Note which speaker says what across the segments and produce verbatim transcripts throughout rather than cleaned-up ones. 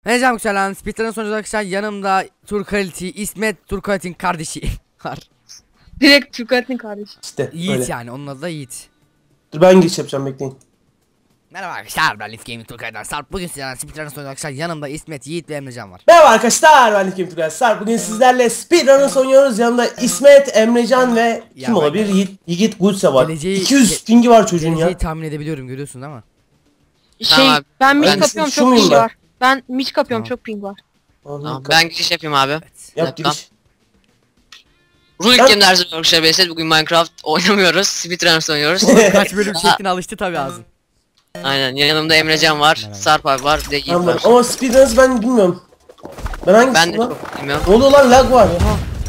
Speaker 1: Merhaba selam. Speedrun sonucu arkadaşlar yanımda Turkaliti, İsmet Turkalit'in kardeşi var.
Speaker 2: Direkt Turkalit'in kardeşi.
Speaker 3: İşte
Speaker 1: Yiğit
Speaker 3: öyle.
Speaker 1: yani, onun adı da Yiğit.
Speaker 3: Dur ben giriş yapacağım, bekleyin.
Speaker 1: Merhaba arkadaşlar, ben Leaf Gaming Turkalit'ten Sarp. Bugün sizlerle Speedrun sonucu arkadaşlar yanımda İsmet, Yiğit ve Emrecan var.
Speaker 3: Merhaba arkadaşlar, ben Likim Turgay Sarp. Bugün sizlerle Speedrun'ı oynuyoruz. Yanımda İsmet, Emrecan ve
Speaker 1: Ya
Speaker 3: kim
Speaker 1: ben-
Speaker 3: olabilir? Yiğit, Yiğit Gulse var.
Speaker 1: Geleceği-
Speaker 3: iki yüz pingi var çocuğun
Speaker 1: Geleceği
Speaker 3: ya.
Speaker 1: tahmin edebiliyorum, görüyorsun değil mi?
Speaker 2: Şey
Speaker 4: Tamam abi.
Speaker 2: ben mid
Speaker 3: Ben
Speaker 2: kapıyorum,
Speaker 3: şu
Speaker 2: çok
Speaker 3: muyum
Speaker 2: ping
Speaker 3: ben?
Speaker 2: var. Ben mid kapıyorum,
Speaker 1: Tamam.
Speaker 2: çok ping var.
Speaker 3: Tamam,
Speaker 4: Tamam, ben giriş yapayım abi.
Speaker 3: Yap
Speaker 4: Yapacağım.
Speaker 3: giriş.
Speaker 4: Rulik
Speaker 3: Ben-
Speaker 4: Game dersi arkadaşlar Beyset. Bugün Minecraft oynamıyoruz. Speedrunners oynuyoruz.
Speaker 1: Kaç bölüm çektiğine alıştı tabi ağzın.
Speaker 4: Aynen. Yanımda Emrecan var.
Speaker 1: Merhaba.
Speaker 4: Sarp abi var. Bir de Yiğit
Speaker 3: Tamam,
Speaker 4: var.
Speaker 3: ama Speedrun'ı ben bilmiyorum. Ben hangisiyim
Speaker 4: Ben de
Speaker 3: lan?
Speaker 4: çok bilmiyorum.
Speaker 3: Ne oluyor lan, lag var.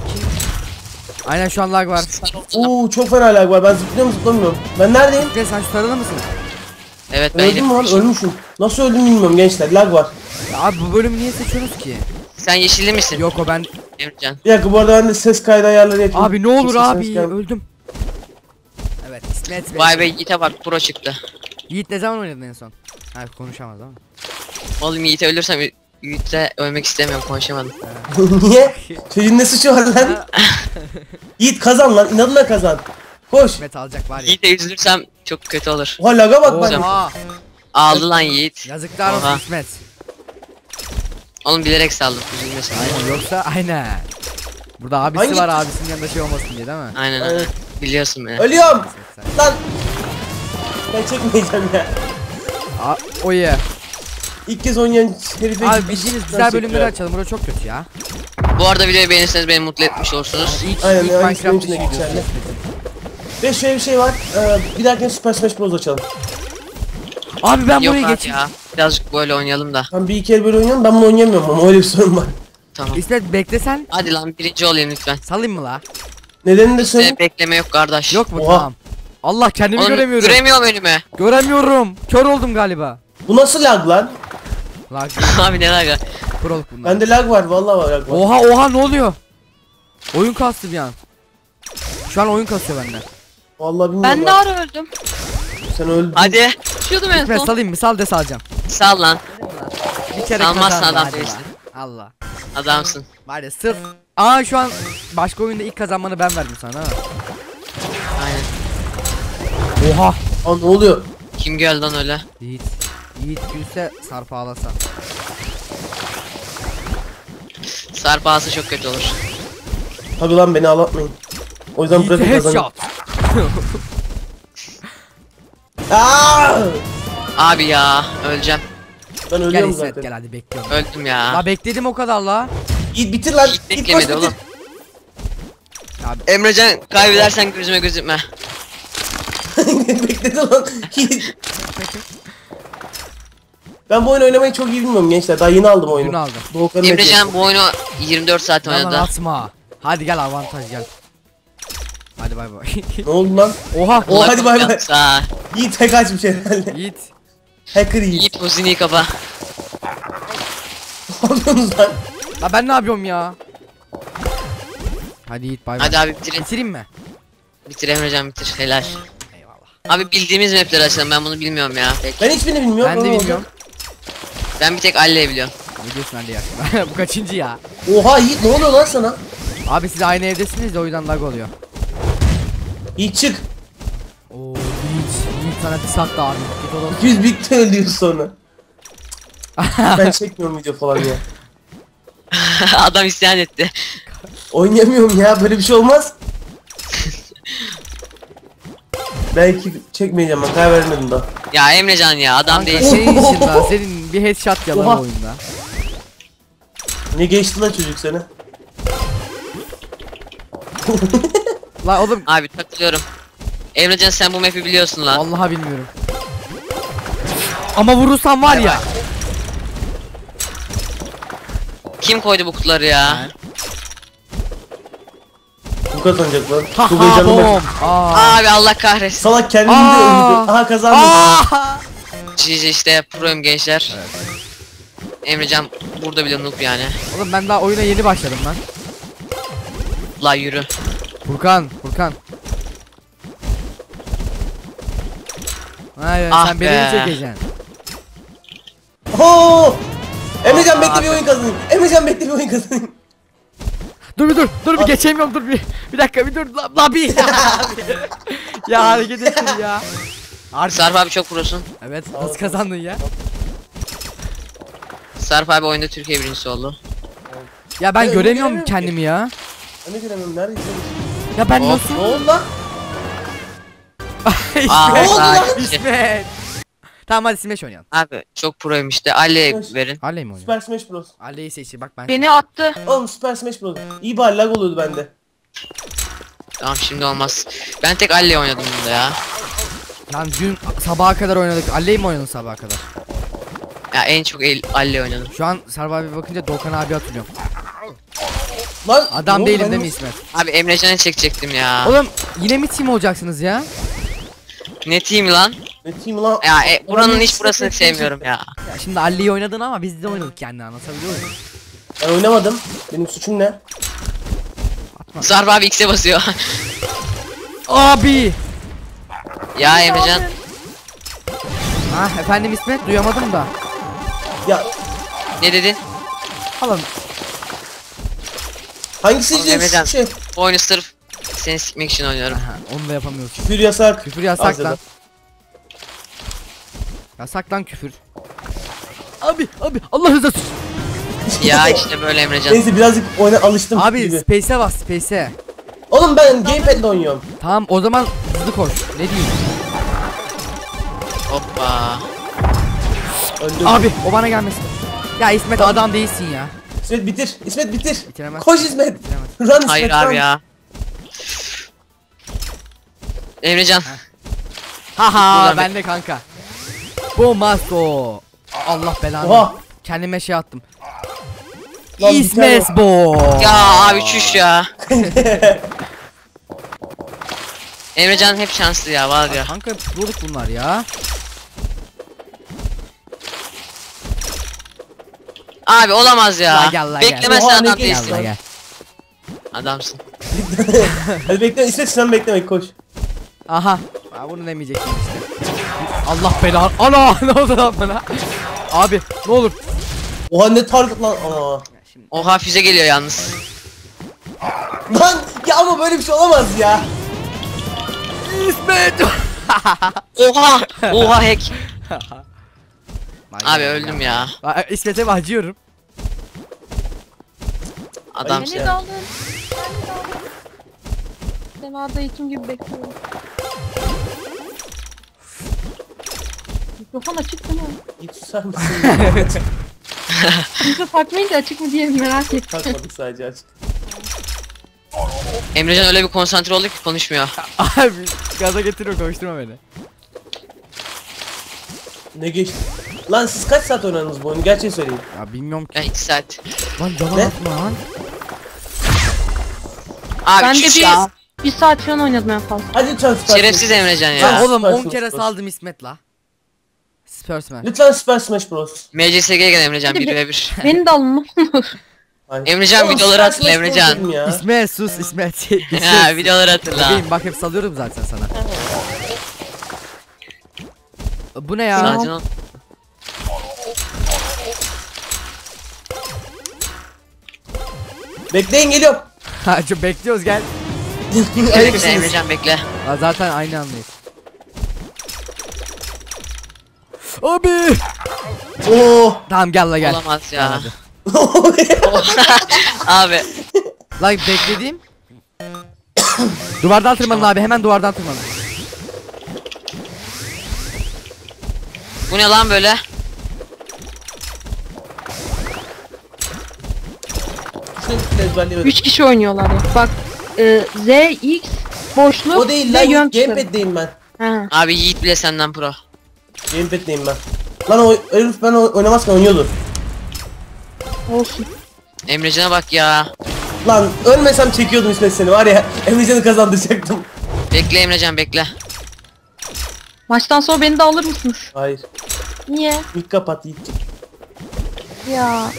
Speaker 1: Aynen, şu an lag var.
Speaker 3: Oo, çok fena lag var. Ben zıplıyorum zıplamıyorum. Ben neredeyim?
Speaker 1: Ve sen şu tarada mısın?
Speaker 4: Evet ben
Speaker 3: Öldüm mü lan?
Speaker 4: yeşil.
Speaker 3: Ölmüşüm. Nasıl öldüm bilmiyorum gençler. Lag var.
Speaker 1: Ya abi, bu bölümü niye seçiyorsunuz ki?
Speaker 4: Sen yeşilli misin?
Speaker 1: Yok, o ben.
Speaker 4: Emrecan.
Speaker 3: Bir dakika, bu arada ben de ses kaydı ayarları yapayım.
Speaker 1: Abi ne olur
Speaker 3: Ses
Speaker 1: abi,
Speaker 3: kaydı-
Speaker 1: öldüm. Evet, İsmet ve
Speaker 4: Vay be Yiğit'e bak pro çıktı.
Speaker 1: Yiğit ne zaman oynadın en son? Ha, konuşamaz ama.
Speaker 4: Oğlum Yiğit'e ölürsem Yiğit'e ölmek istemiyorum, konuşamadım.
Speaker 3: Niye? Çocuğun ne suçu var lan? Yiğit kazan lan, inadına kazan. Koş.
Speaker 1: İsmet alacak var ya.
Speaker 4: Yiğit'e üzülürsem çok kötü olur.
Speaker 3: Oha, laga bak bak.
Speaker 1: Oha,
Speaker 4: Aldı lan Yiğit.
Speaker 1: yazıklar olsun
Speaker 4: Oha.
Speaker 1: İsmet.
Speaker 4: Oğlum bilerek saldım, üzülmesin.
Speaker 1: Aynen, yoksa aynen. Burada abisi
Speaker 3: Hangi-
Speaker 1: var, abisinin yanında şey olmasın diye değil mi?
Speaker 4: Aynen
Speaker 3: Evet.
Speaker 4: aynen. Biliyorsun beni.
Speaker 3: Ölüyorum.
Speaker 1: İsmet sen.
Speaker 3: Lan. Ben çekmeyeceğim ya.
Speaker 1: Aa, o ye.
Speaker 3: İlk kez oynayan herife
Speaker 1: Abi
Speaker 3: gitmiş.
Speaker 1: bildiğiniz
Speaker 3: Ben
Speaker 1: güzel bölümleri
Speaker 3: çekiyorum.
Speaker 1: açalım. Burası çok kötü ya.
Speaker 4: Bu arada videoyu beğenirseniz beni mutlu etmiş olursunuz.
Speaker 1: İlk,
Speaker 3: Aynen,
Speaker 1: ilk
Speaker 3: aynen,
Speaker 1: Minecraft
Speaker 3: benim
Speaker 1: işi
Speaker 3: için de
Speaker 1: videosu.
Speaker 3: geçerli. Ve şöyle bir şey var. Ee, bir dahakine Super Smash Bros açalım.
Speaker 1: Abi ben
Speaker 4: Yok
Speaker 1: buraya
Speaker 4: abi
Speaker 1: geçeyim.
Speaker 4: ya. Birazcık böyle oynayalım da.
Speaker 3: Ben bir iki el böyle oynuyorum. Ben bunu oynayamıyorum ama öyle bir sorun var.
Speaker 4: Tamam.
Speaker 1: İsmet beklesen
Speaker 4: Hadi lan birinci olayım lütfen.
Speaker 1: salayım mı la?
Speaker 3: Nedenini de söyleyeyim.
Speaker 4: Size bekleme yok kardeş.
Speaker 1: Yok mu?
Speaker 3: Oha.
Speaker 1: Tamam. Allah, kendimi
Speaker 4: Oğlum,
Speaker 1: göremiyorum.
Speaker 4: göremiyorum önümü.
Speaker 1: Göremiyorum. Kör oldum galiba.
Speaker 3: Bu nasıl lag lan?
Speaker 1: Lag.
Speaker 4: Abi ne laga.
Speaker 1: Kuroluk bunlar.
Speaker 3: Bende lag var. Vallahi var lag var.
Speaker 1: Oha oha, ne oluyor? Oyun kastı bir an. Şu an oyun kasıyor bende.
Speaker 3: Vallahi bilmiyorum.
Speaker 2: Ben de
Speaker 3: lan.
Speaker 2: ara öldüm.
Speaker 3: Sen öldün.
Speaker 4: Hadi
Speaker 2: Düşüyordum en
Speaker 1: İsmet
Speaker 2: son.
Speaker 1: salayım mı? Sal de salacağım.
Speaker 4: sal lan.
Speaker 1: Bir kere
Speaker 4: Salmazsın
Speaker 1: kazandım,
Speaker 4: adam
Speaker 1: hadi
Speaker 4: değilsin.
Speaker 1: la. Allah.
Speaker 4: Adamsın.
Speaker 1: Var ya, sırf. Aa, şu an başka oyunda ilk kazanmanı ben verdim sana ha.
Speaker 4: Aynen.
Speaker 1: Oha.
Speaker 3: Aa, ne oluyor?
Speaker 4: Kim geldi lan öyle?
Speaker 1: Yiğit. Yiğit gülse Sarp ağlasa.
Speaker 4: Sarp ağası çok kötü olur.
Speaker 3: Tabi lan, beni ağlatmayın. O yüzden
Speaker 1: Yiğit'e
Speaker 3: bırakın kazanın.
Speaker 1: headshot.
Speaker 3: Aa!
Speaker 4: Abi ya öleceğim.
Speaker 3: Ben
Speaker 1: Gel
Speaker 3: ölüyorum
Speaker 1: İsmet,
Speaker 3: zaten.
Speaker 1: gel hadi bekliyorum.
Speaker 4: Öldüm ya.
Speaker 1: La bekledim o kadar la.
Speaker 3: Git bitir lan.
Speaker 4: Hiç
Speaker 3: Git koş
Speaker 4: beklemedi
Speaker 3: bitir.
Speaker 4: oğlum.
Speaker 1: Abi
Speaker 4: Emrecan kaybedersen gözüme gözükme.
Speaker 3: Bekledi lan. Git. Ben bu oyunu oynamayı çok iyi bilmiyorum gençler. Daha yeni aldım oyunu.
Speaker 1: Dün aldım.
Speaker 3: Doğukan'ın medyası.
Speaker 4: Emrecan bu oyunu yirmi dört saat
Speaker 1: Yalan
Speaker 4: oynadı.
Speaker 1: atma. Hadi gel, avantaj gel. Hadi bay bay.
Speaker 3: Ne oldu lan?
Speaker 1: Oha.
Speaker 3: Oha, hadi bay bay.
Speaker 4: Yoksa
Speaker 3: Yiğit hack açmış herhalde.
Speaker 1: Yiğit.
Speaker 3: Hacker Yiğit.
Speaker 4: Yiğit huzini kapa.
Speaker 3: Ne yapıyorsunuz lan?
Speaker 1: La ben ne yapıyorum ya? Hadi Yiğit bay bay.
Speaker 4: Hadi abi bitirin.
Speaker 1: Bitireyim mi?
Speaker 4: Bitir Emrecan bitir. Helal.
Speaker 1: Eyvallah.
Speaker 4: Abi bildiğimiz mapleri açalım, ben bunu bilmiyorum ya. Peki.
Speaker 3: Ben hiçbirini bilmiyorum.
Speaker 1: Ben de
Speaker 3: Ama
Speaker 1: bilmiyorum.
Speaker 4: Ben bir tek Ali'yi biliyorum.
Speaker 1: Ne diyorsun Ali ya? Bu kaçıncı ya?
Speaker 3: Oha Yiğit, ne oluyor lan sana?
Speaker 1: Abi siz aynı evdesiniz de o yüzden lag oluyor.
Speaker 3: Yiğit çık.
Speaker 1: Oo Yiğit. Yiğit sana bir sattı abi. Git oğlum.
Speaker 3: iki yüz birlikte ölüyoruz sonra. Ben çekmiyorum video falan ya.
Speaker 4: Adam isyan etti.
Speaker 3: Oynayamıyorum ya, böyle bir şey olmaz. Belki çekmeyeceğim, ben karar vermedim daha.
Speaker 4: Ya Emrecan ya adam
Speaker 1: Kanka
Speaker 4: değil.
Speaker 1: senin için lan, senin bir headshot yalan
Speaker 3: Oha.
Speaker 1: oyunda.
Speaker 3: Ne geçti lan çocuk seni?
Speaker 1: La oğlum,
Speaker 4: Abi takılıyorum. Emrecan sen bu map'i biliyorsun lan.
Speaker 1: vallahi bilmiyorum. Ama vurursan var ya.
Speaker 4: Kim koydu bu kutuları ya?
Speaker 3: Bu kazanacak lan.
Speaker 1: Ha
Speaker 3: Çok
Speaker 1: ha
Speaker 3: heyecanlı
Speaker 1: bom.
Speaker 3: bak.
Speaker 1: Aa.
Speaker 4: Abi Allah kahretsin.
Speaker 3: Salak kendini de
Speaker 1: Aa.
Speaker 3: öldürdü. Aha kazandım.
Speaker 1: Aa.
Speaker 4: G G işte pro'yum gençler. Emrecan burada bile noob yani.
Speaker 1: Oğlum ben daha oyuna yeni başladım lan.
Speaker 4: La yürü.
Speaker 1: Furkan, Furkan. Hayır,
Speaker 4: Ah
Speaker 1: sen beni mi
Speaker 4: be.
Speaker 1: çekeceksin?
Speaker 3: Oo! Emrecan
Speaker 4: Aa,
Speaker 3: bekle bir oyun kazanayım. Emrecan bekle bir oyun kazanayım.
Speaker 1: Dur bir dur. Dur bir
Speaker 3: At.
Speaker 1: geçemiyorum dur bir. Bir dakika bir dur. La, la bir. Ya hareket ettin ya. Artık.
Speaker 4: Sarp abi çok prosun.
Speaker 1: Evet nasıl kazandın ya?
Speaker 4: Sarp abi oyunda Türkiye birincisi oldu.
Speaker 1: Ya ben
Speaker 3: Ben
Speaker 1: göremiyorum
Speaker 3: göremiyorum ki.
Speaker 1: kendimi ya.
Speaker 3: Ben de göremiyorum nerede?
Speaker 1: Ya ben
Speaker 4: Hop.
Speaker 1: nasıl?
Speaker 3: Ne oldu lan?
Speaker 4: Aa,
Speaker 3: Ne oldu lan?
Speaker 1: İsmet. İsmet. Tamam hadi Smash oynayalım.
Speaker 4: Abi çok proyum işte. Ali
Speaker 3: Hoş.
Speaker 4: verin.
Speaker 1: Halley mi oynayalım?
Speaker 3: Super Smash Bros.
Speaker 1: Halley'i seçti bak ben.
Speaker 2: Beni attı.
Speaker 3: Oğlum Super Smash Bros. İyi bari lag oluyordu bende.
Speaker 4: Tamam şimdi olmaz. Ben tek Ali oynadım bunda ya.
Speaker 1: Lan dün sabaha kadar oynadık. Halley mi oynadın sabaha kadar?
Speaker 4: Ya en çok el, Ali oynadım.
Speaker 1: Şu an Sarp abi bakınca Doğukan abi hatırlıyorum.
Speaker 3: Lan
Speaker 1: Adam
Speaker 3: ne oldu?
Speaker 1: değilim
Speaker 3: Ben
Speaker 1: değil mi
Speaker 3: nasıl-
Speaker 1: İsmet?
Speaker 4: Abi Emrecan'ı çekecektim ya.
Speaker 1: Oğlum yine mi team olacaksınız ya?
Speaker 4: Ne team lan?
Speaker 3: Ne team lan?
Speaker 4: Ya e, buranın
Speaker 3: Ulan
Speaker 4: hiç
Speaker 3: hiç
Speaker 4: burasını
Speaker 3: sekreter-
Speaker 4: sevmiyorum ya.
Speaker 1: Ya şimdi Halley'i oynadın ama biz de oynadık yani anlatabiliyor muyum?
Speaker 3: Ben oynamadım. Benim suçum ne?
Speaker 4: Sarp abi X'e basıyor.
Speaker 1: Abi!
Speaker 4: Ya Emrecan.
Speaker 1: Ha efendim İsmet duyamadım da.
Speaker 3: Ya
Speaker 4: Ne dedin?
Speaker 1: Oğlum
Speaker 3: hangisi
Speaker 4: Oğlum
Speaker 3: diyeceğim
Speaker 4: Emrecan.
Speaker 3: şey?
Speaker 4: Bu oyunu sırf seni sikmek için oynuyorum.
Speaker 1: aha, onu da yapamıyoruz.
Speaker 3: Küfür yasak.
Speaker 1: Küfür yasak
Speaker 3: Asya'da.
Speaker 1: lan. Yasak lan küfür. Abi abi Allah rızası için.
Speaker 4: Ya işte böyle Emrecan.
Speaker 3: Neyse birazcık oyuna alıştım
Speaker 1: Abi
Speaker 3: gibi.
Speaker 1: space'e bas space'e.
Speaker 3: Oğlum ben gamepad'le oynuyorum.
Speaker 1: Tamam o zaman hızlı koş. Ne diyeyim?
Speaker 4: Hoppa.
Speaker 3: Öldüm.
Speaker 1: Abi o bana gelmesin. Ya İsmet adam değilsin ya.
Speaker 3: İsmet bitir. İsmet bitir.
Speaker 1: Bitiremez.
Speaker 3: Koş İsmet.
Speaker 1: Bitiremez.
Speaker 3: Run İsmet.
Speaker 4: Hayır
Speaker 3: run.
Speaker 4: abi ya. Emrecan.
Speaker 1: Haha
Speaker 4: Buradan
Speaker 1: ben de kanka. Bu masko. Allah belanı.
Speaker 3: Oha.
Speaker 1: Kendime şey attım.
Speaker 3: Lan bir
Speaker 1: İsmet
Speaker 3: tane-
Speaker 1: bu.
Speaker 4: Ya abi çüş ya. Emrecan hep şanslı ya var ya.
Speaker 1: Kanka bulduk bunlar ya.
Speaker 4: Abi olamaz ya.
Speaker 1: La gel, la gel.
Speaker 4: Beklemezsen
Speaker 3: Oha, ne
Speaker 4: adam
Speaker 3: geçti
Speaker 4: değilsin.
Speaker 3: lan?
Speaker 1: Gel.
Speaker 4: Adamsın.
Speaker 3: Hadi bekle İsmet sen bekleme koş.
Speaker 1: Aha. Aa, bunu demeyecektim işte. Allah belanı. Ana ne oldu lan bana? Abi ne olur.
Speaker 3: Oha ne target lan. Aa.
Speaker 1: Şimdi
Speaker 4: Oha füze geliyor yalnız.
Speaker 3: Lan ya ama böyle bir şey olamaz ya.
Speaker 1: İsmet.
Speaker 4: Oha. Oha hack.
Speaker 1: Lan
Speaker 4: Abi
Speaker 1: gel,
Speaker 4: öldüm
Speaker 1: gel.
Speaker 4: ya.
Speaker 1: Aa, İsmet'e mi acıyorum?
Speaker 4: Adam.
Speaker 2: Beni de alın. Beni de alın. Semada ikim gibi bekliyorum. Mikrofon açık değil mi?
Speaker 3: Git susar mısın?
Speaker 2: Mikrofon takmayınca açık mı diye merak ettim.
Speaker 3: Takmadık sadece açık.
Speaker 4: Emrecan öyle bir konsantre oldu ki konuşmuyor.
Speaker 1: Abi gaza getiriyor konuşturma beni.
Speaker 3: Ne geçti? Lan siz kaç saat oynadınız bu oyunu? Gerçeği söyleyin.
Speaker 1: Ya bilmiyorum ki.
Speaker 4: Ya iki saat.
Speaker 1: Lan yalan
Speaker 3: Ne?
Speaker 1: atma lan.
Speaker 4: Abi
Speaker 2: Ben de
Speaker 4: çüş
Speaker 2: bir,
Speaker 4: ya.
Speaker 2: bir saat falan oynadım en fazla.
Speaker 3: Hadi lütfen Super
Speaker 4: Şerefsiz
Speaker 3: Smash.
Speaker 4: Emrecan
Speaker 1: Lan
Speaker 4: ya.
Speaker 1: oğlum
Speaker 3: Süper
Speaker 1: on
Speaker 3: Smash
Speaker 1: kere
Speaker 3: Bros.
Speaker 1: saldım İsmet la. Spursman.
Speaker 3: Lütfen Super Smash Bros.
Speaker 4: M C S G'ye gel Emrecan
Speaker 2: Hadi
Speaker 4: bir
Speaker 2: bir-
Speaker 4: ve bir.
Speaker 2: Beni de alın ne olur.
Speaker 3: Aynen.
Speaker 4: Emrecan
Speaker 3: Oğlum,
Speaker 4: videoları
Speaker 3: Super
Speaker 4: hatırla
Speaker 3: Smash Bros
Speaker 4: Emrecan.
Speaker 3: dedim ya.
Speaker 1: İsmet sus İsmet.
Speaker 4: Ha videoları hatırla.
Speaker 1: Bebeğim bak hep salıyorum zaten sana. Bu ne ya?
Speaker 4: Sakin ol.
Speaker 3: Bekleyin geliyorum.
Speaker 1: Ha çok bekliyoruz gel.
Speaker 4: Bekle
Speaker 3: Ayıpsınız.
Speaker 4: Emrecan bekle.
Speaker 1: Aa, zaten aynı andayız. Abi.
Speaker 3: Oo.
Speaker 1: Tamam gel la gel.
Speaker 4: Olamaz ya.
Speaker 1: Hadi.
Speaker 4: Abi.
Speaker 1: Lan beklediğim. Duvardan tırmanın abi hemen duvardan tırmanın.
Speaker 4: Bu ne lan böyle?
Speaker 3: Şunu ezberleyemedim.
Speaker 2: üç kişi oynuyorlar ya. Bak e, Z, X, boşluk
Speaker 3: O değil
Speaker 2: ve
Speaker 3: lan.
Speaker 2: yön tuşları.
Speaker 3: Gamepad'deyim ben.
Speaker 2: Ha.
Speaker 4: Abi Yiğit bile senden pro.
Speaker 3: Gamepad'deyim ben. Lan o herif ben o- oynamazken oynuyordu.
Speaker 2: Olsun.
Speaker 4: Emrecan'a bak ya.
Speaker 3: Lan ölmesem çekiyordum İsmet seni var ya. Emrecan'ı kazandıracaktım.
Speaker 4: Bekle Emrecan bekle.
Speaker 2: Maçtan sonra beni de alır mısınız?
Speaker 3: Hayır.
Speaker 2: Niye?
Speaker 3: İlk kapat Yiğit'cim.
Speaker 2: Ya.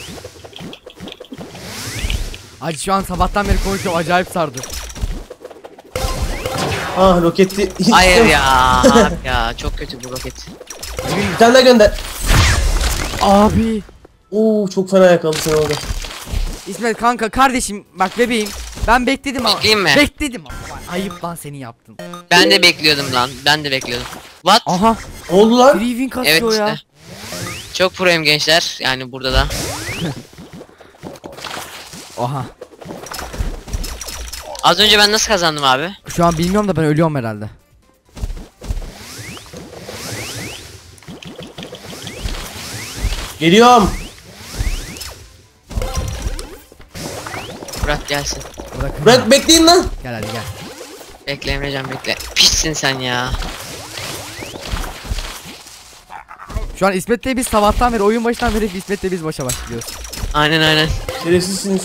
Speaker 1: Hadi şu an sabahtan beri konuşuyorum acayip sardı.
Speaker 3: Ah roketi.
Speaker 4: Hayır ya. Abi ya çok kötü bu roket.
Speaker 3: Bir tane daha gönder.
Speaker 1: Abi.
Speaker 3: Oo çok fena yakaladı seni orada.
Speaker 1: İsmet kanka kardeşim bak bebeğim. Ben bekledim ama.
Speaker 4: Bekleyeyim mi?
Speaker 1: Bekledim ama. Ayıp lan seni yaptın.
Speaker 4: Ben de bekliyordum lan. Ben de bekliyordum. What?
Speaker 1: Aha.
Speaker 3: Ne oldu lan?
Speaker 1: Free win kasıyor
Speaker 4: Evet
Speaker 1: ya.
Speaker 4: işte. Çok proyum gençler. Yani burada da.
Speaker 1: Oha.
Speaker 4: Az önce ben nasıl kazandım abi?
Speaker 1: Şu an bilmiyorum da ben ölüyorum herhalde.
Speaker 3: Geliyorum.
Speaker 4: Bırak gelsin.
Speaker 1: Bırakın.
Speaker 3: Bırak bekleyin lan.
Speaker 1: Gel hadi gel.
Speaker 4: Bekle Emrecan bekle. Pişsin sen ya.
Speaker 1: Şu an İsmet'le biz sabahtan beri oyun başından beri İsmet'le biz başa başlıyoruz.
Speaker 4: Aynen aynen.
Speaker 3: Şerefsizsiniz.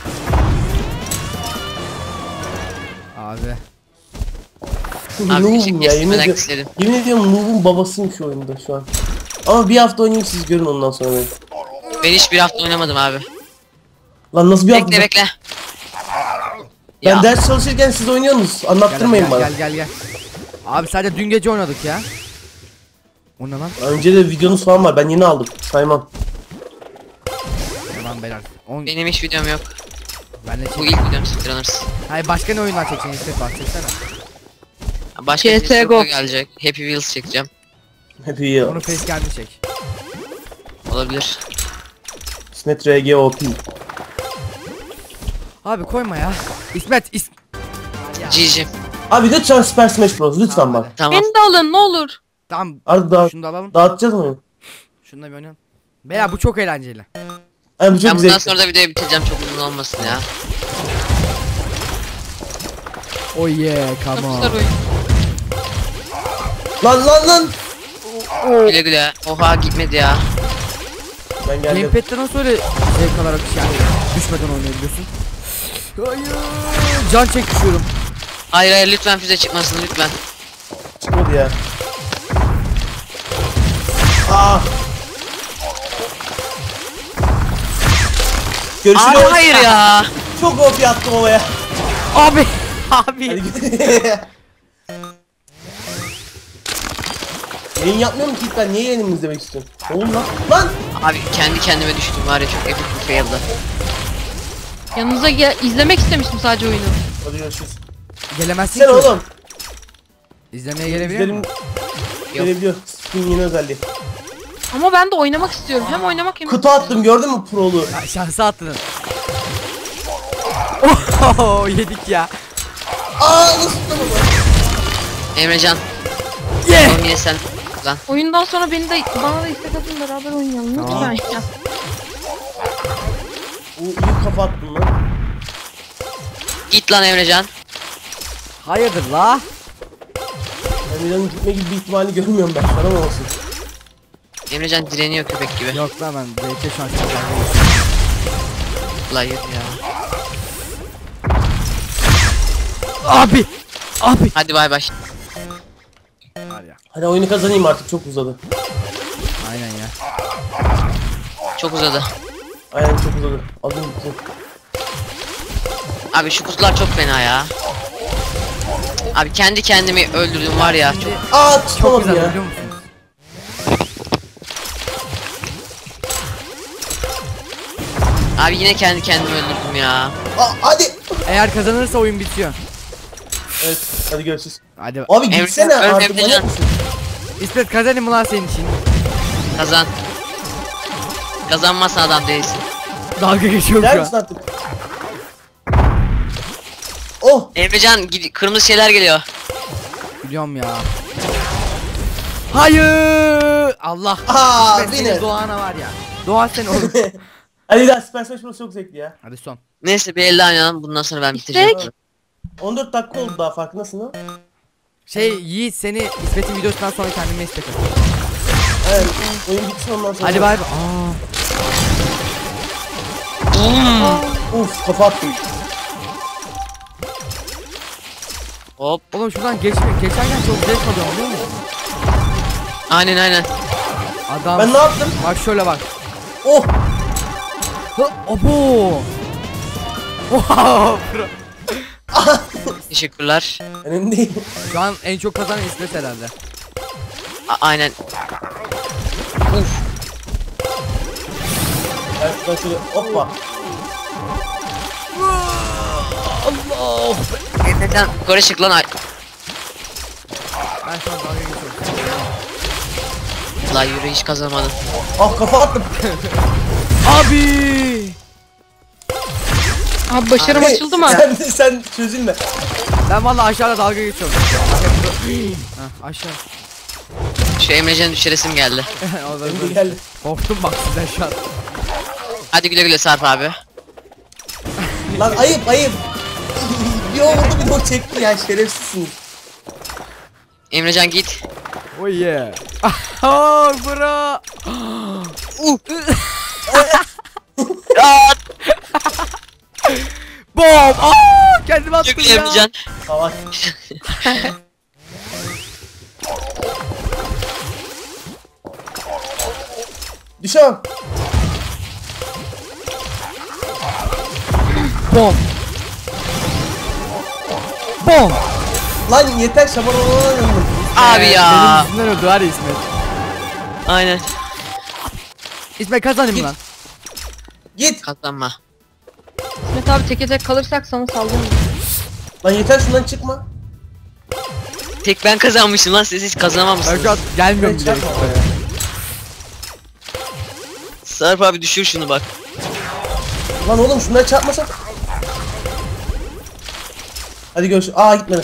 Speaker 1: Abi.
Speaker 4: Abi
Speaker 3: Noob'um
Speaker 4: küçük
Speaker 3: ya yemin
Speaker 4: kestirmeden
Speaker 3: ediyorum.
Speaker 4: istedim.
Speaker 3: Yemin ediyorum Noob'un babasıyım şu oyunda şu an. Ama bir hafta oynayayım siz görün ondan sonra beni.
Speaker 4: Ben hiç bir hafta oynamadım abi.
Speaker 3: Lan nasıl bir hafta?
Speaker 4: Bekle bekle.
Speaker 3: Ben
Speaker 4: Ya.
Speaker 3: ders çalışırken siz oynuyorsunuz.
Speaker 1: Gel,
Speaker 3: Anlattırmayın
Speaker 1: gel,
Speaker 3: bana.
Speaker 1: gel gel gel. Abi sadece dün gece oynadık ya. O ne lan?
Speaker 3: Önce de videonuz falan var. Ben yeni aldım. Saymam.
Speaker 1: Tamam beyler. On...
Speaker 4: Benim hiç videom yok.
Speaker 1: Ben de
Speaker 4: Bu
Speaker 1: çek.
Speaker 4: ilk videom Speedrunners.
Speaker 1: Hayır başka ne oyunlar çekeceksin İsmet bak çeksene.
Speaker 4: Başka
Speaker 2: C
Speaker 4: bir
Speaker 2: S G O.
Speaker 4: sürü gelecek. Happy Wheels çekeceğim.
Speaker 3: Happy Year.
Speaker 1: Onu face geldi çek.
Speaker 4: Olabilir.
Speaker 3: İsmet R G O P.
Speaker 1: Abi koyma ya. İsmet is...
Speaker 4: G G.
Speaker 3: Abi lütfen Super Smash Bros. Lütfen
Speaker 1: Tamam,
Speaker 3: bak.
Speaker 1: hadi.
Speaker 4: Tamam.
Speaker 2: Beni de alın ne olur.
Speaker 1: Tamam.
Speaker 3: Artık daha
Speaker 1: Şunu da alalım.
Speaker 3: dağıtacağız mı?
Speaker 1: Şunu da bir oynayalım. Beyler bu çok eğlenceli.
Speaker 3: Yani bu çok
Speaker 4: Ben bundan
Speaker 3: zevkli.
Speaker 4: sonra da videoyu bitireceğim çok uzun olmasın ya.
Speaker 1: Oh yeah come on.
Speaker 2: Kapışlar oyun.
Speaker 3: Lan lan lan.
Speaker 4: Güle güle. Oha gitmedi ya.
Speaker 3: Ben geldim.
Speaker 1: Gamepad'de nasıl öyle zevk alarak yani düşmeden oynayabiliyorsun? Hayır. Can çek düşüyorum.
Speaker 4: Hayır hayır lütfen füze çıkmasın lütfen.
Speaker 3: Çıkmadı ya. Aa. Görüşürüz.
Speaker 4: Abi hayır ya.
Speaker 3: Çok O P attım ovaya.
Speaker 1: Abi. Abi.
Speaker 3: Hadi git. Yayın yapmıyorum ki ben niye yayınımı izlemek istiyorum? Oğlum lan. Lan.
Speaker 4: Abi kendi kendime düştüm var ya çok epik bir fail'dı.
Speaker 2: Yanınıza gel izlemek istemiştim sadece oyunu.
Speaker 3: Hadi görüşürüz.
Speaker 1: Gelemezsin
Speaker 3: Sen
Speaker 1: ki.
Speaker 3: oğlum.
Speaker 1: İzlemeye gelebiliyor
Speaker 3: İzlerim
Speaker 1: musun?
Speaker 3: gelebiliyor. Steam yeni özelliği.
Speaker 2: Ama ben de oynamak istiyorum. Hem oynamak hem
Speaker 3: Kutu attım gördün mü prolu?
Speaker 1: Ya, şansı attın. Oh yedik ya.
Speaker 3: Aa nasıl tutamadım?
Speaker 4: Emrecan.
Speaker 1: Yeah.
Speaker 4: Oğlum yine sen. Lan.
Speaker 2: oyundan sonra beni de bana da istek atın beraber oynayalım
Speaker 1: Tamam.
Speaker 2: lütfen ya.
Speaker 3: O iyi kafa attın lan.
Speaker 4: Git lan Emrecan.
Speaker 1: Hayırdır la?
Speaker 3: Emirhan'ın gitme gibi bir ihtimali görmüyorum ben. Sana mı olsun?
Speaker 4: Emrecan direniyor köpek gibi.
Speaker 1: Yok lan ben zevke şu an çok
Speaker 4: Hayır ya.
Speaker 1: Abi. Abi.
Speaker 4: Hadi bay bay.
Speaker 1: Var ya.
Speaker 3: Hadi oyunu kazanayım artık çok uzadı.
Speaker 1: Aynen ya.
Speaker 4: Çok uzadı.
Speaker 3: Aynen çok uzadı. Adım bitti.
Speaker 4: Abi şu kutular çok fena ya. Abi kendi kendimi öldürdüm var ya. Çok...
Speaker 3: Aa
Speaker 1: Çok
Speaker 3: tutamadım
Speaker 1: güzel
Speaker 3: ya.
Speaker 1: biliyor musunuz?
Speaker 4: Abi yine kendi kendimi öldürdüm ya.
Speaker 3: Aa hadi.
Speaker 1: Eğer kazanırsa oyun bitiyor.
Speaker 3: Evet hadi görüşürüz.
Speaker 1: Hadi.
Speaker 3: Abi
Speaker 4: Emre-
Speaker 3: gitsene
Speaker 4: Emre-
Speaker 3: artık
Speaker 4: Emre-
Speaker 3: manyak mısın?
Speaker 1: İsmet kazanayım mı lan senin için?
Speaker 4: Kazan. Kazanmazsa adam değilsin.
Speaker 1: Dalga geçiyorum
Speaker 3: Gider
Speaker 1: şu
Speaker 3: misin
Speaker 1: an.
Speaker 3: artık? Oh.
Speaker 4: Emrecan gid- kırmızı şeyler geliyor.
Speaker 1: Biliyorum ya. Hayır. Allah.
Speaker 3: Aa
Speaker 1: İsmet senin
Speaker 3: beni.
Speaker 1: Doğan'a var ya. Doğan sen oğlum.
Speaker 3: Hadi daha Super Smash Bros çok zevkli ya.
Speaker 1: Hadi son.
Speaker 4: Neyse bir elde oynayalım bundan sonra ben bitireceğim.
Speaker 2: İstek.
Speaker 3: on dört dakika oldu daha farkındasın ha?
Speaker 1: Şey Yiğit seni İsmet'in videosundan sonra kendime istek at.
Speaker 3: Evet oyun bitsin ondan sonra.
Speaker 1: Hadi bay bay. Aa.
Speaker 3: Uf kafa attım.
Speaker 4: Hop.
Speaker 1: Oğlum şuradan geçme. Geçerken çok zevk alıyorum biliyor musun?
Speaker 4: Aynen aynen.
Speaker 1: Adam.
Speaker 3: Ben ne yaptım?
Speaker 1: Bak şöyle bak.
Speaker 3: Oh.
Speaker 1: Hı, Obo. Oha. bro.
Speaker 4: Teşekkürler.
Speaker 3: Önemli değil.
Speaker 1: Şu an en çok kazanan İsmet herhalde.
Speaker 4: A- aynen.
Speaker 3: Ben şöyle hoppa.
Speaker 1: Allah.
Speaker 4: Emrecan yukarı çık lan. Ay.
Speaker 1: Ben şu an dalga geçiyorum.
Speaker 4: La yürü hiç kazanmadın.
Speaker 3: Ah kafa attım.
Speaker 1: Abi.
Speaker 2: Abi başarım
Speaker 3: Hey,
Speaker 2: açıldı mı?
Speaker 3: Sen, sen çözülme.
Speaker 1: Ben vallahi aşağıda dalga geçiyorum. Hah, aşağı.
Speaker 4: Şu Emrecan'ı düşüresim geldi.
Speaker 1: Orada
Speaker 3: Şimdi
Speaker 1: böyle-
Speaker 3: geldi.
Speaker 1: Korktum bak sizden şu an.
Speaker 4: Hadi güle güle Sarp abi.
Speaker 3: Lan ayıp ayıp. Bir o vurdu bir de o çekti ya, şerefsizsiniz.
Speaker 4: Emrecan git.
Speaker 1: Oh yeah. Oh bro.
Speaker 4: Uh. At.
Speaker 1: Bom. Aa, kendimi attım
Speaker 4: Çok
Speaker 1: ya.
Speaker 4: Emrecan.
Speaker 3: Savaş. Düşemem.
Speaker 1: Bom. Bom.
Speaker 3: Lan yeter şaban olalım.
Speaker 4: Abi
Speaker 1: Ee,
Speaker 4: ya.
Speaker 1: Benim yüzümden öldü hadi İsmet.
Speaker 4: Aynen.
Speaker 1: İsmet kazanayım
Speaker 3: Git.
Speaker 1: lan.
Speaker 3: Git.
Speaker 4: Kazanma.
Speaker 2: İsmet abi teke tek kalırsak sana saldırırım.
Speaker 3: Lan yeter şundan çıkma.
Speaker 4: Tek ben kazanmışım lan, siz hiç
Speaker 1: Ben
Speaker 4: kazanamamışsınız.
Speaker 1: şu an gelmiyorum
Speaker 3: Evet,
Speaker 1: bile.
Speaker 3: çarpma.
Speaker 1: İsmet'e.
Speaker 4: Sarp abi düşür şunu bak.
Speaker 3: Lan oğlum şundan çarpmasak. Hadi görüşürüz. Aa gitmedi.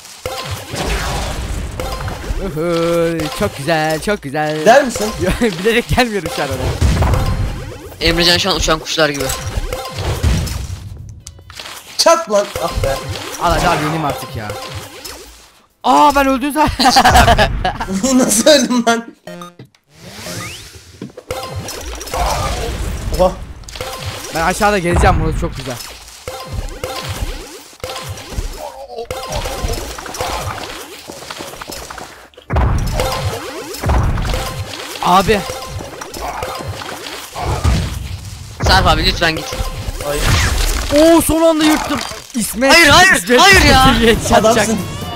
Speaker 1: Uhu, çok güzel, çok güzel.
Speaker 3: Der misin?
Speaker 1: Bilerek gelmiyorum şu an oraya.
Speaker 4: Emrecan şu an uçan kuşlar gibi.
Speaker 3: Çak lan. Ah be.
Speaker 1: Al hadi abi yeneyim artık ya. Aa ben öldüm zaten.
Speaker 3: Nasıl öldüm lan? Oha.
Speaker 1: Ben aşağıda geleceğim, burası çok güzel. Abi.
Speaker 4: Sarp abi lütfen git.
Speaker 3: Hayır.
Speaker 1: Oo son anda yırttım. İsmet.
Speaker 4: Hayır, hayır,
Speaker 1: İsmet-
Speaker 4: hayır ya.
Speaker 1: İsmet çatacak.
Speaker 3: Adamsın.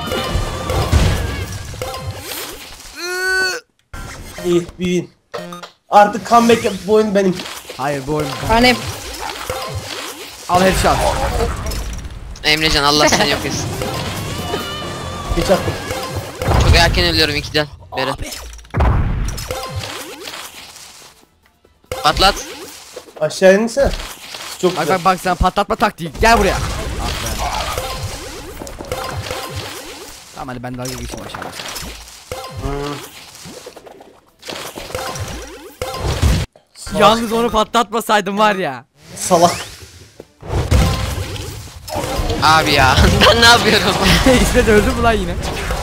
Speaker 3: İyi bir win. Artık comeback yap, bu oyun benim.
Speaker 1: Hayır bu oyun.
Speaker 2: Yani
Speaker 1: Al headshot.
Speaker 4: Emrecan Allah seni yok etsin.
Speaker 3: Geç attım.
Speaker 4: Çok erken ölüyorum ikiden beri.
Speaker 1: Abi.
Speaker 4: Patlat.
Speaker 3: Aşağı insene. Çok
Speaker 1: Bak
Speaker 3: güzel.
Speaker 1: bak bak sen patlatma taktiği. Gel buraya. Ah be. Tamam hadi ben dalga geçeyim aşağıda.
Speaker 3: Hmm. Salak.
Speaker 1: Yalnız onu patlatmasaydım var ya.
Speaker 3: Salak.
Speaker 4: Abi ya ben ne yapıyorum?
Speaker 1: İsmet öldü mü lan yine?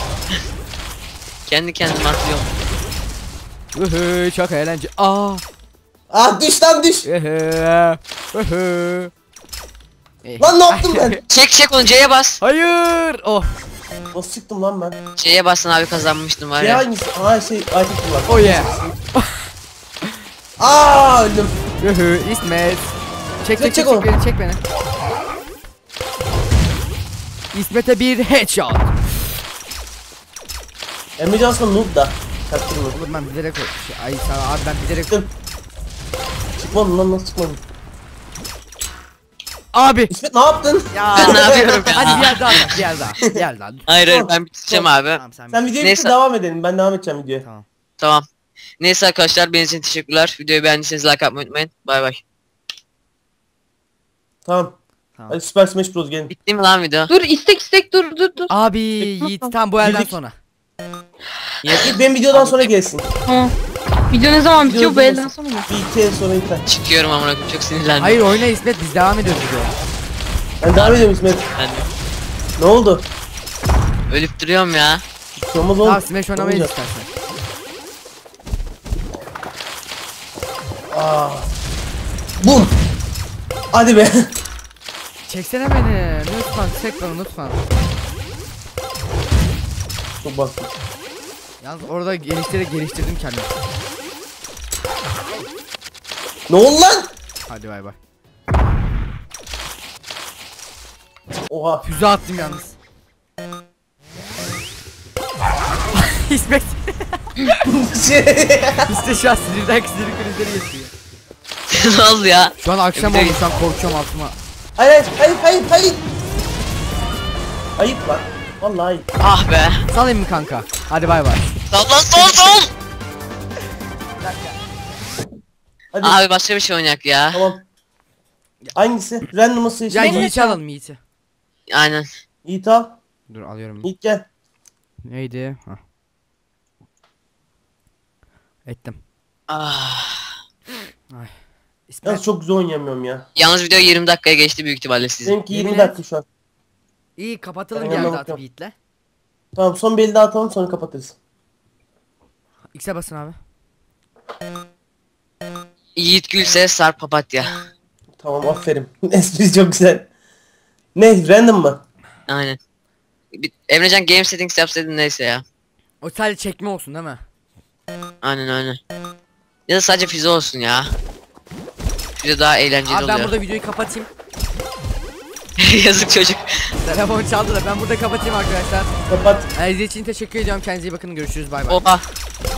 Speaker 4: Kendi kendime atlıyorum.
Speaker 1: Ühü çok eğlence. Aa.
Speaker 3: Ah düş lan düş.
Speaker 1: Ühü. Ühü. Eh.
Speaker 3: Lan ne yaptım ben?
Speaker 4: Çek çek onu, C'ye bas.
Speaker 1: Hayır. Oh.
Speaker 3: Nasıl çıktım lan ben?
Speaker 4: C'ye basın abi, kazanmıştım var
Speaker 3: Şey
Speaker 4: ya.
Speaker 3: hangisi? Ha şey item kullan.
Speaker 1: Oh yeah.
Speaker 3: Aa öldüm.
Speaker 1: Ühü İsmet. Çek çek
Speaker 3: Çek,
Speaker 1: çek,
Speaker 3: çek
Speaker 1: çek,
Speaker 3: onu.
Speaker 1: beni çek beni. İsmet'e bir headshot.
Speaker 3: Emre Johnson noob da. Çaktırma.
Speaker 1: Oğlum ben bilerek şey, ay sana abi ben bilerek
Speaker 3: Çıktım. Çıkmadım lan, nasıl çıkmadım?
Speaker 1: abi.
Speaker 3: İsmet ne yaptın?
Speaker 1: Ya.
Speaker 4: Ben ne yapıyorum ya?
Speaker 1: Hadi bir yer daha at, bir yer daha. Bir yer daha.
Speaker 4: Hayır hayır,
Speaker 3: Son,
Speaker 4: ben bitireceğim
Speaker 3: son.
Speaker 4: abi.
Speaker 1: Tamam sen.
Speaker 3: Sen videoyu
Speaker 4: Neyse.
Speaker 3: bitir, devam edelim. Ben devam edeceğim videoya.
Speaker 1: Tamam.
Speaker 4: Tamam. Neyse arkadaşlar, benim için teşekkürler. Videoyu beğendiyseniz like atmayı unutmayın. Bay bay.
Speaker 3: Tamam.
Speaker 1: Tamam.
Speaker 3: Hadi Super Smash Bros gelin.
Speaker 4: Bitti mi lan video?
Speaker 2: dur istek istek dur dur dur.
Speaker 1: Abi Yiğit tam bu elden
Speaker 3: Girdik.
Speaker 1: sonra.
Speaker 3: Git benim videodan sonra gelsin.
Speaker 2: Tamam. Video ne zaman bitiyor, bu
Speaker 3: Video
Speaker 2: elden
Speaker 3: durmasın.
Speaker 2: sonra mı?
Speaker 3: Bir iki el sonra biter.
Speaker 4: Çıkıyorum amına koyayım, çok sinirlendim.
Speaker 1: Hayır oyna İsmet biz devam ediyoruz videoya.
Speaker 3: Ben devam ediyorum İsmet.
Speaker 4: Ben de
Speaker 3: Ne oldu?
Speaker 4: ölüp duruyorum ya.
Speaker 3: Bir şey olmaz oğlum.
Speaker 1: Tamam Smash oynamayı
Speaker 3: Olmayacak.
Speaker 1: istersen.
Speaker 3: Aa. Bum. Hadi be.
Speaker 1: Çeksene beni. Lütfen çek beni lütfen.
Speaker 3: Çok bastım.
Speaker 1: Yalnız orada geliştirerek geliştirdim kendimi.
Speaker 3: Ne oldu lan?
Speaker 1: Hadi bay bay.
Speaker 3: Oha.
Speaker 1: Füze attım yalnız. İsmet.
Speaker 3: Şey.
Speaker 1: İşte şu an sinirden sinir krizleri geçiyor.
Speaker 4: Ne oldu ya?
Speaker 1: Şu an akşam
Speaker 4: Bir de-
Speaker 1: oldu, şu an korkuyorum altıma.
Speaker 3: Hayır hayır hayır hayır. Ayıp lan. Vallahi ayıp.
Speaker 4: Ah be.
Speaker 1: Salayım mı kanka? Hadi bay bay.
Speaker 4: Sal lan sol sol.
Speaker 3: Hadi
Speaker 4: Abi başka bir şey oynayak ya.
Speaker 3: tamam. Hangisi? Random'ı seç.
Speaker 1: Ya
Speaker 2: Benim
Speaker 1: Yiğit'i
Speaker 2: hesabım.
Speaker 1: alalım Yiğit'i.
Speaker 4: Aynen.
Speaker 3: Yiğit al.
Speaker 1: Dur alıyorum.
Speaker 3: Yiğit gel.
Speaker 1: Neydi? Hah. Ettim.
Speaker 4: Ah.
Speaker 1: İsmet.
Speaker 3: Yalnız çok güzel oynayamıyorum ya.
Speaker 4: Yalnız video yirmi dakikaya geçti büyük ihtimalle sizin.
Speaker 3: Benimki
Speaker 1: Yemin
Speaker 3: yirmi
Speaker 1: et.
Speaker 3: dakika şu an.
Speaker 1: İyi kapatalım
Speaker 3: Ben
Speaker 1: bir yerde
Speaker 3: yanına
Speaker 1: atıp
Speaker 3: bakıyorum.
Speaker 1: Yiğit'le.
Speaker 3: Tamam son bir el daha atalım sonra kapatırız.
Speaker 1: X'e basın abi.
Speaker 4: Yiğit Gülse Sarp Papatya.
Speaker 3: Tamam aferin. Espri çok güzel. Ne? Random mı?
Speaker 4: Aynen. Bir, Emrecan game settings yapsaydın neyse ya.
Speaker 1: O sadece çekme olsun değil mi?
Speaker 4: Aynen aynen. Ya da sadece füze olsun ya. Füze daha eğlenceli
Speaker 1: Abi ben
Speaker 4: oluyor.
Speaker 1: burada videoyu kapatayım.
Speaker 4: Yazık çocuk.
Speaker 1: Telefon çaldı da ben burada kapatayım arkadaşlar.
Speaker 3: Kapat.
Speaker 1: Ee, İzlediğiniz için teşekkür ediyorum. Kendinize iyi bakın. Görüşürüz. Bay bay.
Speaker 4: Oha.